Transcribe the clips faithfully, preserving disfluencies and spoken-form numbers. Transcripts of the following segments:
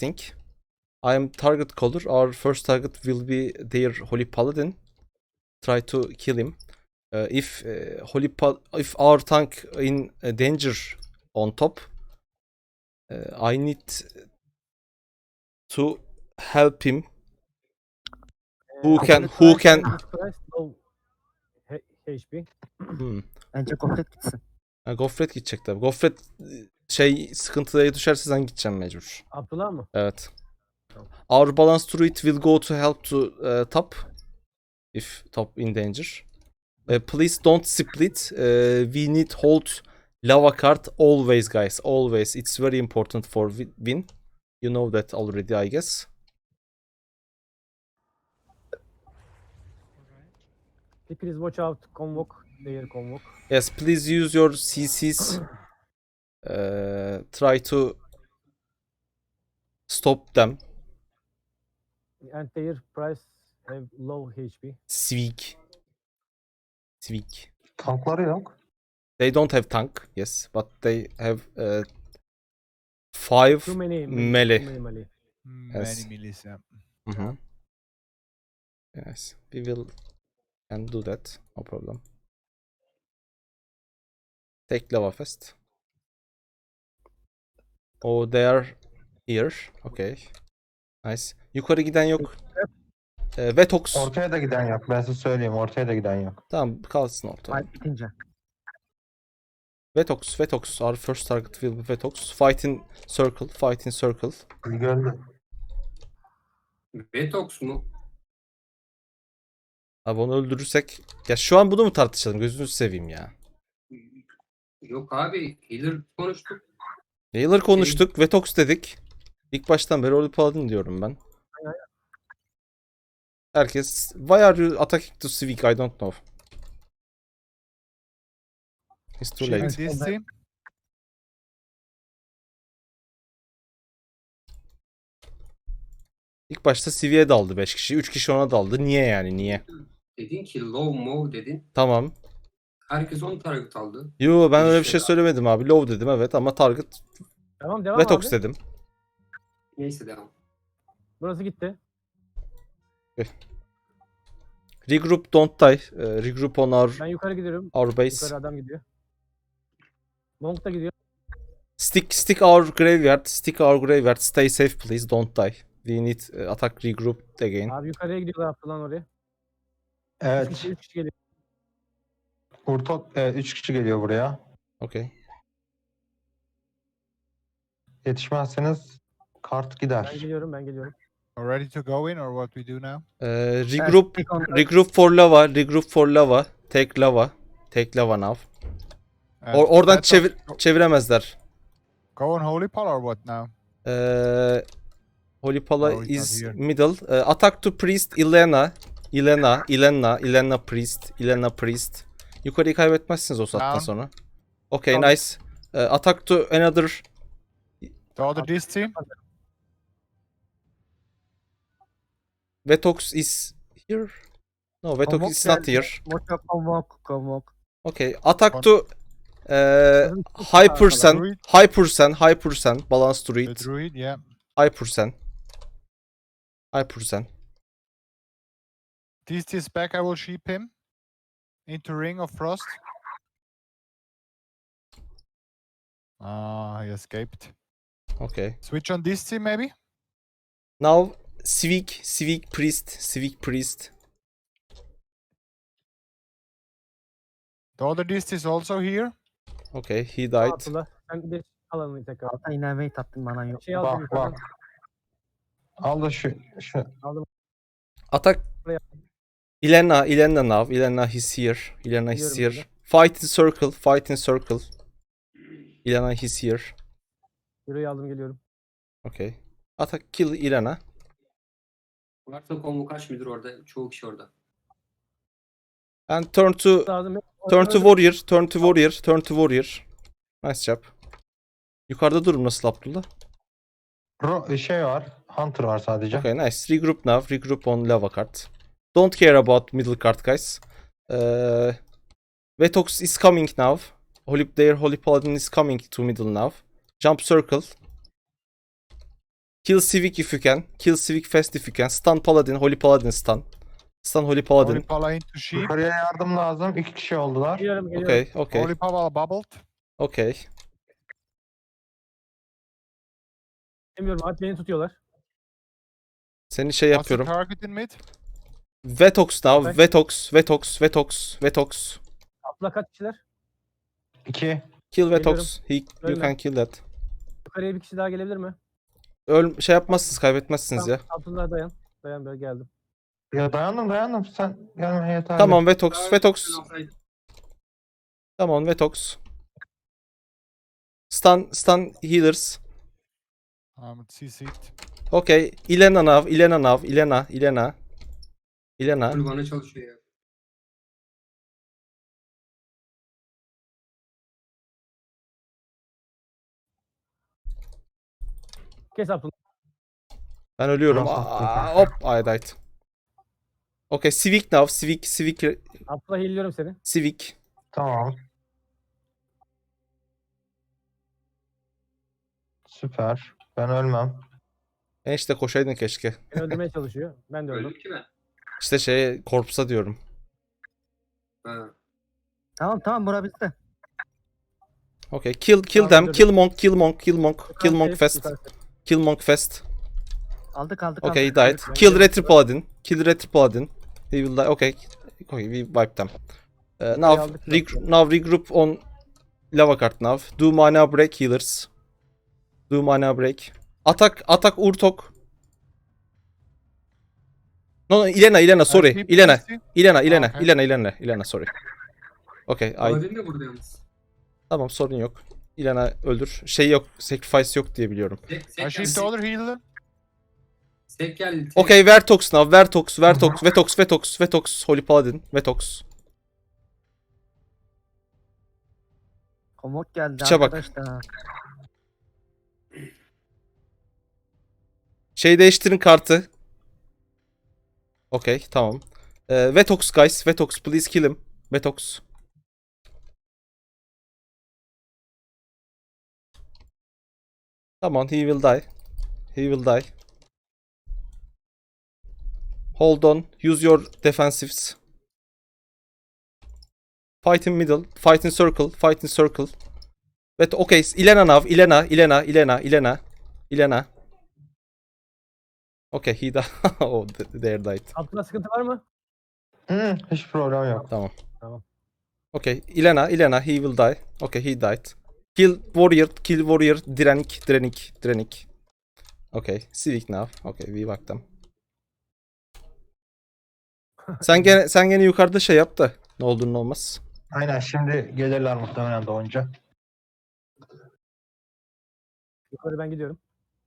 think. I am target caller. Our first target will be their Holy Paladin. Try to kill him. Uh, if uh, Holy pa if our tank in uh, danger on top, uh, I need to help him. Who can who can Price, low H- HP. hmm. Bence Gofret gitsin. Ha, Gofret gidecek tabii. Gofret şey sıkıntıya düşerse sen gideceksin mecbur. Abdullah mı? Evet. Our balance druid will go to help to uh, top if top in danger. Uh, please don't split. Uh, we need hold lava card always, guys. Always. It's very important for win. You know that already, I guess. Please watch out. Convoke. Their convoke. Yes, please use your C Cs. Uh, try to stop them. And their price have low H P. Sveak. Sveak. Tankları yok. They don't have tank, yes, but they have uh, five Too many melee. Too many melee. Many Yes. millis, yeah. Mhm. Yes, we will can do that, no problem. Take lava fest. Oh, they are here. Okay. Nice. Yukarı giden yok. Ee, Vetox. Ortaya da giden yok. Ben size söyleyeyim. Ortaya da giden yok. Tamam, kalsın ortada. Fight bitince. Vetox, Vetox. Our first target will be Vetox. Fight in circle, fight in circle. Gördü. Vetox mu? Abi onu öldürürsek... Ya şu an bunu mu tartışalım? Gözünüzü seveyim ya. Yok abi. Healer konuştuk. Healer konuştuk, Vetox dedik. İlk baştan beri Holy Paladin diyorum ben. Herkes... Why are you attacking to Civic? I don't know. It's too Shooting late. this team. İlk başta Civi'ye daldı beş kişi. üç kişi ona daldı. Niye yani? Niye? Dedin ki low mo dedin. Tamam. Herkes on target aldı. Yo, ben öyle bir İşte şey abi. söylemedim abi. Low dedim evet ama target Tamam devam Vetox abi. dedim. Neyse devam. Burası gitti. Regroup, don't die. Uh, regroup on our, Ben yukarı gidiyorum. our base. Yukarı adam gidiyor. Long da gidiyor. Stick stick our graveyard. Stick our graveyard. Stay safe please. Don't die. We need uh, attack regroup again. Abi yukarıya gidiyorlar Abdullah oraya. Üç Evet. kişi, üç kişi geliyor. Urtok evet, üç kişi geliyor buraya. Okay. Yetişmezseniz kart Ben gider. geliyorum ben geliyorum. Are ready to go in or what we do now? Uh, regroup. Stick on- Regroup for lava. Regroup for lava. Take lava. Take lava now. And Or oradan Vetox, çevir go- çeviremezler. Go on Holy Pal or what now? Uh, Holy Pala No, it's not is here. middle. Uh, attack to priest Ilena. Ilena, Ilena, Ilena priest, Ilena priest. Yukarıyı kaybetmezsiniz o saatten Down. sonra. Okay, Tamam. nice. Uh, attack to another. The other this team? Vetox is here. No, Vetox Convoke is not geldi. here. Mocha Convoke. Convoke. Okay, attack Con- to uh, high percent, Druid. high percent, high percent, balance to The read, druid, yeah. high percent, high percent. This is back, I will sheep him. Into Ring of Frost. Ah, he escaped. Okay. Switch on this team maybe? Now civic, civic priest, civic priest. The other Dist is also here. Okay, he Aa, died. Abdullah sen bir de alanını tekrar. Alta inermeyi tattın manan yok. Şey aldım Bak yukarıdan. bak. Al da şu. şu. Attack. Ilena, Ilena now. Ilena is here. Ilena is Biliyorum here. Fight in circle, fight in circle. Ilena is here. Yürüyü aldım geliyorum. Okay. Attack, kill Ilena. Varsa konvu kaç müdür orada? Çoğu kişi orada. And turn to Lazım. turn to warrior, turn to warrior, turn to warrior. Nice job. Yukarıda durum nasıl Abdullah? Ro şey var. Hunter var sadece. Okay, nice. Regroup now. Regroup on lava card. Don't care about middle card, guys. Uh, Vetox is coming now. Holy, their Holy Paladin is coming to middle now. Jump circle. Kill Civic if you can. Kill Civic fast if you can. Stun Paladin. Holy Paladin stun. Stun Holy Paladin. Holy Pala into sheep. Yukarıya yardım lazım. İki kişi oldular. Geliyorum geliyorum. Okay, okay, Holy Pala bubbled. okay. Bilmiyorum abi beni tutuyorlar. Seni şey What's the yapıyorum. target in mid? Vetox now. Okay. Vetox, Vetox, Vetox, Vetox. Atla kaç kişiler? İki. Kill Vetox. He, you Ölme. can kill that. Yukarıya bir kişi daha gelebilir mi? Öl şey yapmazsınız, kaybetmezsiniz ya. Abdullah dayan. Dayan böyle geldim. Ya dayandım dayandım. Sen gelme yeterli. Tamam Vetox, Daha Vetox. önceden alsaydı. Tamam Vetox. Stun, stun healers. Um, C C'd. Okay. Ilena now, Ilena now, Ilena, Ilena. Ilena. Full bana çalışıyor ya. Kes Abdullah. Ben ölüyorum. Nasıl? Aa, hop, I died. Okay, Civic now, Civic, Civic, Abdullah healliyorum seni. Civic. Tamam. Süper. Ben ölmem. Ben işte koşaydın keşke. Beni öldürmeye çalışıyor. Ben de öldüm. Öldüm ki ben. İşte şey, korpsa diyorum. Ha. Tamam tamam bura bizde. Okay, kill, kill Tamam, them, öldürdüm. kill monk, kill monk, kill monk, kill Yukarı monk safe, fast, yukarı safe. kill monk fast. Aldık aldık Okay, he aldık. died. Ben Kill de- Retro Paladin, kill Retro Paladin. He will die. Okay, okay, we wiped them. Uh, now, aldık reg zaten. now regroup on lava card now. Do mana break healers. Do mana break. Atak, atak Urtok. No, no, Ilena, Ilena, sorry. Uh, sheep, Ilena, C C. Ilena, Ilena, okay. Ilena, Ilena, Ilena, sorry. Okay, I, Paladin de burada yalnız. tamam sorun yok. Ilena öldür. Şey yok, sacrifice yok diye biliyorum. Sek, I sek, sheep the sek, other healer. sek geldi. tek. Okay, Vertox now, Vertox, Vertox, Vetox, Vetox, Vetox, Holy Paladin, Vetox. Komut geldi Piçe bak. arkadaşlar. Şey değiştirin kartı. Okay, tamam. Ee, Vetox guys, Vetox please kill him. Vetox. Tamam, he will die. He will die. Hold on, use your defensives. Fight in middle, fight in circle, fight in circle. Vet okay, Ilena now, Ilena, Ilena, Ilena, Ilena, Ilena. Okay, he died. Oh, th- there died. Abdullah sıkıntı var mı? Hı, hiç problem yok. Tamam. Tamam. Okay, Ilena, Ilena, he will die. Okay, he died. Kill warrior, kill warrior, direnik, direnik, direnik. Okay, civic now. Okay, we back them. Sen gene sen gene yukarıda şey yap da ne olduğunu ne olmaz. Aynen şimdi gelirler muhtemelen doğunca. Yukarı ben gidiyorum.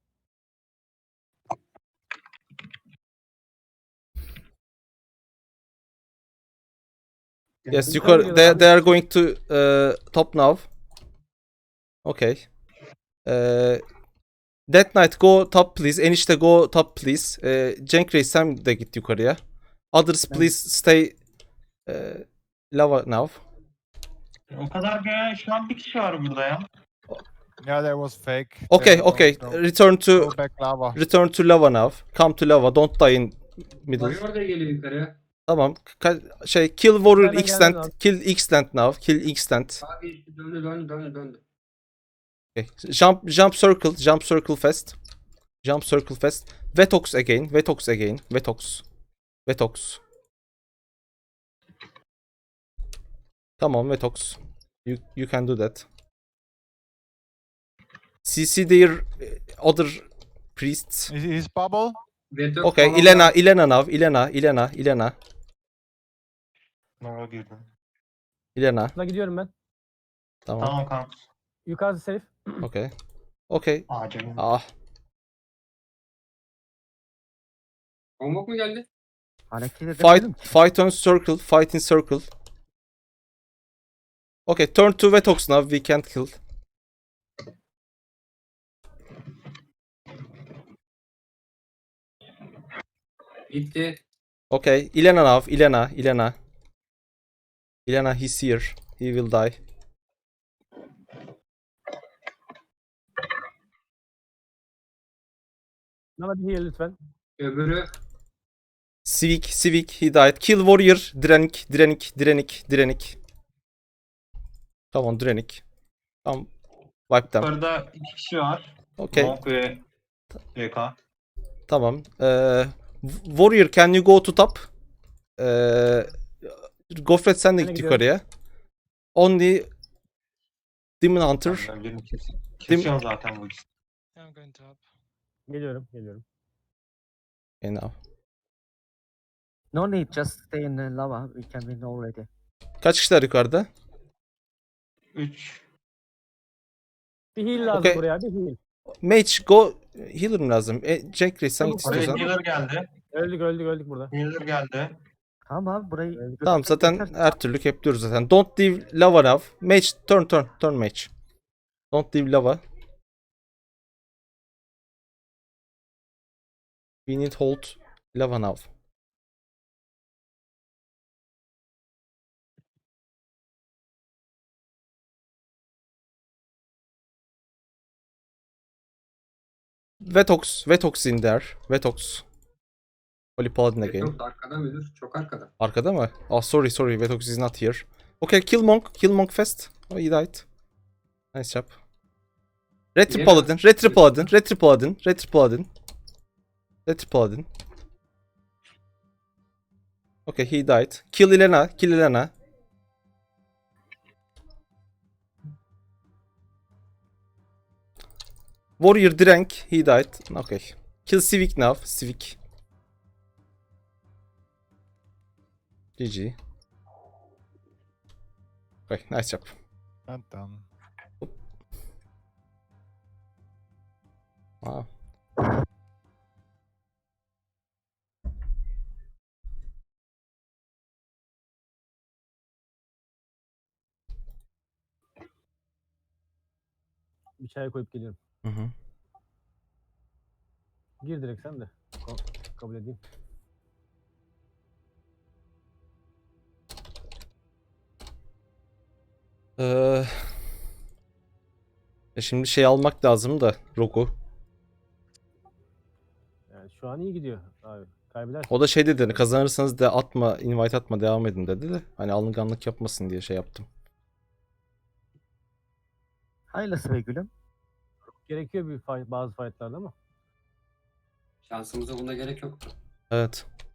Yes, Yukarı yukarı. gidiyorlar They, abi. they are going to uh, top now. Okay. Uh, Death Knight go top please. Enişte go top please. Uh, Cenk Reis sen de git yukarıya. Others Ben- please stay uh, lava now. O kadar gören şu an bir kişi var burada ya. Yeah, that was fake. Okay, There, okay. no, no. Return to Go back lava. return to lava now. Come to lava. Don't die in middle. Warrior da geliyor yukarı. Tamam. Ka- şey kill warrior Hemen extent. geldim abi. Kill extent now. Kill extent. Abi döndü döndü döndü döndü. Okay. Jump jump circle. Jump circle fast. Jump circle fast. Vetox again. Vetox again. Vetox. Vetox. Come on Vetox. You you can do that. C C their uh, other priests. Is his bubble? Veto Okay, falan Ilena, var. Ilena now. Ilena, Ilena, Ilena, Nova girdim. Ilena. Abdullah gidiyorum ben. Tamam. Tamam kanka. Yukarısı safe. Okay. Okay. Acil. Ah. Konvok mu geldi? Hareket edemedim Fight ki. fight on circle, fight in circle. Okay, turn to Vetox now. We can't kill. Gitti. Okay, Ilena now. Ilena, Ilena. Ilena, he's here. He will die. Bana bir heal lütfen. Öbürü Civic, Civic, he died. Kill warrior, direnik, direnik, direnik, direnik. Come on, direnik. Tamam. Wipe them. Yukarıda iki kişi var. Okay. Monk ve C K. Tamam. Ee, warrior, can you go to top? Ee, Gofret sen de Ben de git gidiyorum. yukarıya. Only Demon Hunter. Ben birini kes- kesiyorum zaten bu ikisi. I'm going top. Geliyorum, geliyorum. Okay, now. No need, just stay in the lava. We can win already. Kaç kişiler yukarıda? üç. Bir heal lazım Okay. buraya, bir heal. Mage, go. Healer mi lazım? E, Jack Reis sen git Tamam, Oraya istiyorsan. healer geldi. Öldük, öldük, öldük burada. Healer geldi. Tamam abi burayı... Evet. Tamam götürsek zaten yeter. her türlü kepliyoruz zaten. Don't leave lava now. Mage, turn turn turn mage. Don't leave lava. We need hold lava now. Vetox, Vetox in there. Vetox. Holy Paladin again. yok arkada müdür? Çok arkada. Arkada mı? Oh sorry sorry, Vetox is not here. Okay, kill Monk, kill Monk fast. Oh, he died. Nice job. Retri Niye Paladin, ben- Retri Paladin, Retri Paladin, Retri Paladin. Retri Paladin. Okay, he died. Kill Elena, kill Elena. Warrior drank, he died. Okay. Kill Civic now, Civic. G G. Okay, nice job. Not done. Wow. Bir çay koyup geliyorum. Hı hı. Gir direkt sen de. Ko- Kabul edeyim. Ee, e şimdi şey almak lazım da Rogu. Yani şu an iyi gidiyor abi. Kaybedersin. O da şey dedi, hani kazanırsanız da atma, invite atma, devam edin dedi de hani alınganlık yapmasın diye şey yaptım. Hayırlısı be gülüm. Gerekiyor bir fight, bazı fightlarda ama. Şansımıza buna gerek yoktu. Evet.